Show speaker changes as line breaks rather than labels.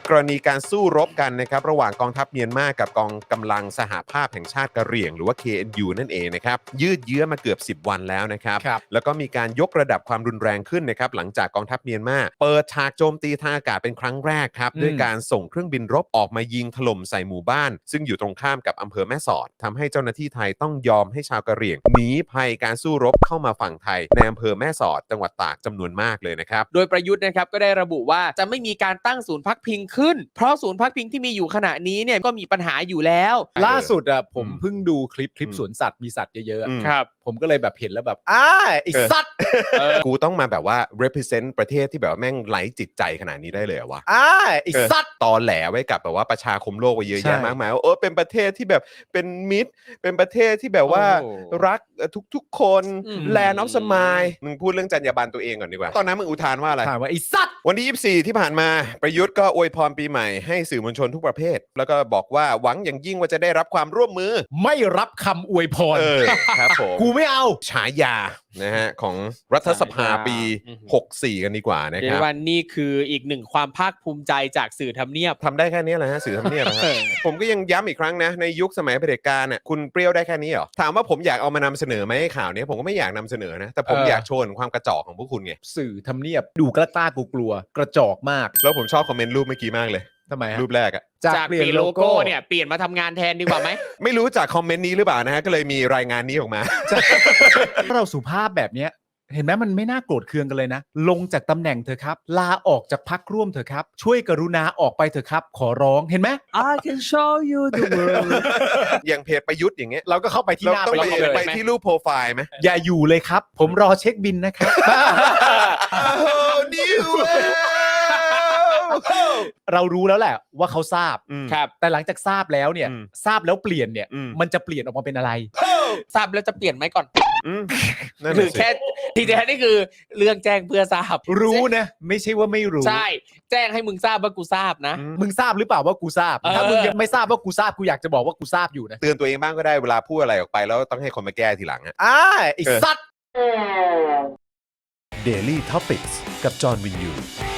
กรณีการสู้รบกันนะครับระหว่างกองทัพเมียนมากับกองกำลังสหภาพแห่งชาติกะเหรี่ยงหรือว่า KNU นั่นเองนะครับยืดเยื้อมาเกือบ10 วันแล้วนะครับแล้วก็มีการยกระดับความรุนแรงขึ้นนะครับหลังจากกองทัพเมียนมาเปิดฉากโจมตีทางอากาศเป็นครั้งแรกครับด้วยการส่งเครื่องบินรบออกมายิงถล่มใส่หมู่บ้านซึ่งอยู่ตรงข้ามกับอำเภอแม่สอดทำให้เจ้าหน้าที่ไทยต้องยอมให้ชาวกะเหรี่ยงหนีภัยการสู้รบเข้ามาฝั่งไทยในอำเภอแม่สอดจังหวัดตากจำนวนมากเลยนะครับ
โดยประยุทธ์นะครับก็ได้ระบุว่าจะไม่มีการตั้งศูนย์พักพิงขึ้นเพราะศูนย์พักพิงที่มีอยู่ขณะนี้เนี่ยก็มีปัญหาอยู่แล้ว
ล่าสุดอ่ะผมเพิ่งดูคลิปสวนสัตว์มีสัตว์เยอะๆ
ครับ
ผมก็เลยแบบเห็นแล้วแบบไอ้สัตว์
กูต้องมาแบบว่า represent ประเทศที่แบบว่าแม่งไร้จิตใจขนาดนี้ได้เลยเหรอวะ
ไอ้สัตว์
ตอแหลไว้กับแบบว่าประชาคมโลกไว้เยอะ
ใช่
แยะมากมายว่าเป็นประเทศที่แบบเป็นมิตรเป็นประเทศที่แบบว่ารักทุกๆคนแลนด์ออฟสมายมึงพูดเรื่องจรรยาบรรณตัวเองก่อนดีกว่าตอนนั้นมึงอุทานว่าอะไร
ถามว่าไอ้สัตว์
วันที่24ที่ผ่านมาประยุทธ์ก็อวยพรปีใหม่ให้สื่อมวลชนทุกประเภทแล้วก็บอกว่าหวังอย่างยิ่งว่าจะได้รับความร่วมมือ
ไม่รับคำอวยพร
ครับผม
กูไม่เอา
ฉายานะฮะของรัฐสภาปี64กันดีกว่านะค
เดี๋ย
รับ
ววันนี้คืออีกหนึ่งความภาคภูมิใจจากสื่อทำเนียบ
ทำได้แค่นี้แหละฮะสื่อทำเนียบนะครับ ผมก็ยังย้ำอีกครั้งนะในยุคสมัยเผด็จการน่ะคุณเปรี้ยวได้แค่นี้เหรอถามว่าผมอยากเอามานำเสนอไหมข่าวนี้ผมก็ไม่อยากนำเสนอนะแต่ผมอยากโชว์ถึงความกระจอกของพวกคุณไง
สื่อทำเนียบดูกล้ากลัวกระจอกมาก
แล้วผมชอบคอมเมนต์รูปเมื่อกี้มากเลย
ทำไมฮะ
รูปแรกอะ
จากเปลี่ยนโลโก้เนี่ยเปลี่ยนมาทำงานแทนดีกว่าไหม
ไม่รู้จากคอมเมนต์นี้หรือเปล่านะฮะก็เลยมีรายงานนี้ออกมา
ถ้าเราสุภาพแบบเนี้ยเห็นไหมมันไม่น่าโกรธเคืองกันเลยนะลงจากตำแหน่งเถอะครับลาออกจากพักร่วมเถอะครับช่วยกรุณาออกไปเถอะครับขอร้องเห็นไหม
I can show you the world
อย่างเพจประยุทธ์อย่างเงี้ย
เราก็เข้าไปที่
เรา
หน้า
ต้อง
ไปเลย
ไปที่รูปโปรไฟล์ไหม
อย่าอยู่เลยครับ ผมรอเช็คบินนะครับ
นิว
เรารู้แล้วแหละว่าเขาทราบ
ครับ
แต่หลังจากทราบแล้วเนี่ย ทราบแล้วเปลี่ยนเนี่ย มันจะเปลี่ยนออกมาเป็นอะไร
ทราบแล้วจะเปลี่ยนไหมก่อน
นั่น
หรือ
น่ะสิ
แค่ทีแท้นี่คือเรื่องแจ้งเพื่อทราบ
รู้นะไม่ใช่ว่าไม่รู้
ใช่แจ้งให้มึงทราบว่ากูทราบนะ
มึงทราบหรือเปล่าว่ากูทราบ ถ้ามึงยังไม่ทราบว่ากูทราบกูอยากจะบอกว่ากูทราบอยู่นะ
เตือนตัวเองบ้างก็ได้เวลาพูดอะไรออกไปแล้วต้องให้คนมาแก้ทีหลังฮะ
ไอ้สัตว์
Daily Topics กับจอห์นวินยู